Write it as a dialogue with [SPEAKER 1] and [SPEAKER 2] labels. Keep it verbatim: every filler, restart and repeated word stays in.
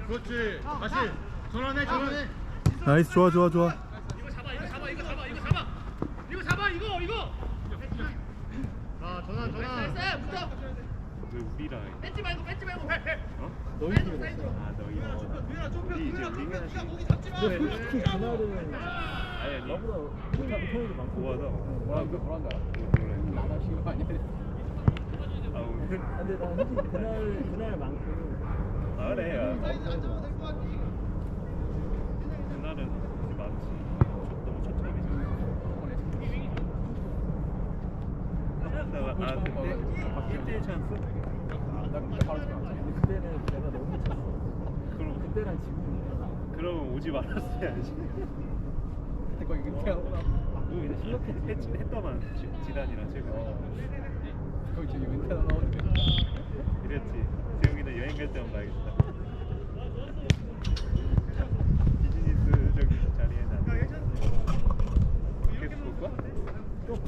[SPEAKER 1] 그렇지. 다시 전환해 전환해.
[SPEAKER 2] 나이스 좋아 좋아 좋아.
[SPEAKER 3] 이거 잡아 이거 잡아 이거 잡아 이거 잡아 이거 잡아 이거 이거
[SPEAKER 1] 자 전환 전환.
[SPEAKER 3] 나이스 붙어
[SPEAKER 4] 왜 우리랑
[SPEAKER 3] 뺏지 말고 뺏지 말고 해
[SPEAKER 4] 어?
[SPEAKER 2] 너희
[SPEAKER 3] 사이드로
[SPEAKER 2] 팀.
[SPEAKER 3] 사이드로
[SPEAKER 4] 아 너희 우리 이제 링하지
[SPEAKER 2] 근데 솔직히 그날은
[SPEAKER 4] 아니 아니
[SPEAKER 2] 나보다 못하는 편이 많고.
[SPEAKER 4] 고하다
[SPEAKER 2] 뭐라 그래 뭐라 한다.
[SPEAKER 4] 몰라
[SPEAKER 2] 나가신 거 아니야?
[SPEAKER 4] 아 오늘
[SPEAKER 2] 근데 나 솔직히 그날 그날만큼.
[SPEAKER 4] 아 그래 야 그날은 이제 많지 너무 초점이잖아 내가 아 그때 일 대 일 찬스?
[SPEAKER 2] 나 그때 바로 생각했지. 그때는 내가 너무 미쳤어.
[SPEAKER 4] 그럼
[SPEAKER 2] 그때랑 지금.
[SPEAKER 4] 그러면 오지 말았어야지
[SPEAKER 2] 그때 거의 은퇴하고 나.
[SPEAKER 4] 그거 이제 실력했 했더만 지- 지단이랑 최근에
[SPEAKER 2] 거의 지금 은퇴하고 나오는데.
[SPEAKER 4] 이랬지 재용이는 여행 갈 때만 가야겠다